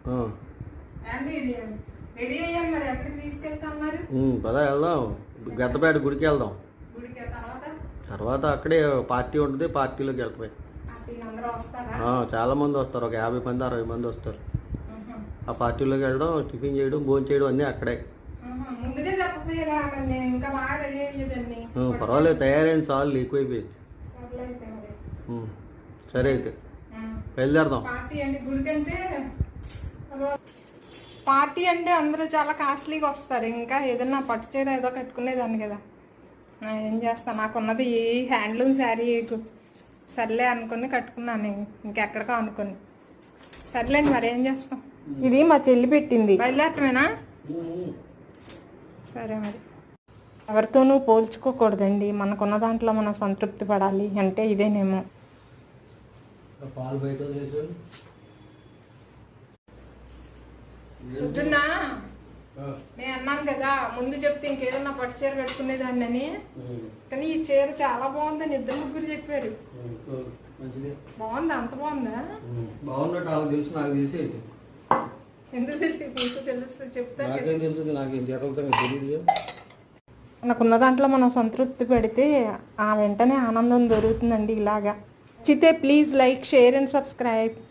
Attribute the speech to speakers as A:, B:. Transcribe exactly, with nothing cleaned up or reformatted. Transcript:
A: పదా వెళ్దాం, గద్దపేట గుడికి వెళ్దాం. తర్వాత అక్కడే పార్టీ ఉంటుంది, పార్టీలోకి వెళ్తాయి. చాలా మంది వస్తారు, ఒక యాభై మంది అరవై మంది వస్తారు. ఆ పార్టీలోకి వెళ్ళడం, టిఫిన్ చేయడం, భోజనం చేయడం అన్నీ అక్కడే. పర్వాలేదు, తయారైంది చాలు, ఎక్కువైపోయింది. సరే అయితే బయలుదేరదాం.
B: పార్టీ అంటే అందరూ చాలా కాస్ట్లీగా వస్తారు. ఇంకా ఏదన్నా పట్టు చీర ఏదో కట్టుకునేదాన్ని కదా. ఏం చేస్తా, నాకున్నది ఈ హ్యాండ్లూమ్ శారీ సర్లే అనుకుని కట్టుకున్నాను, ఇంకెక్కడికో అనుకుని. సర్లేండి, మరి ఏం చేస్తాం. ఇది మా చెల్లి పెట్టింది. బయలుదేరటమేనా? సరే మరి. ఎవరితోనూ పోల్చుకోకూడదండి, మనకున్న దాంట్లో మనం సంతృప్తి పడాలి అంటే ఇదేనేమో.
A: పాలు బయట
B: పొద్దున్నా నేను అన్నాను కదా, ముందు చెప్తే ఇంకేదన్నా పట్టు చీర కట్టుకునేదాన్ని అని. కానీ ఈ చీర చాలా బాగుందని ఇద్దరు ముగ్గురు చెప్పారు. బాగుందా? అంత బాగుందా?
A: బాగున్నట్టు నాకు తెలుసు. నాకు తెలిసి
B: ఎందుకు తెలుసు? తెలుస్తుంది చెప్తాను.
A: నాకేం తెలుస్తుంది? నాకేం తెలియదు.
B: మనకున్న దాంట్లో మనం సంతృప్తి పెడితే ఆ వెంటనే ఆనందం దొరుకుతుందండి. ఇలాగా నచ్చితే please like, share and subscribe.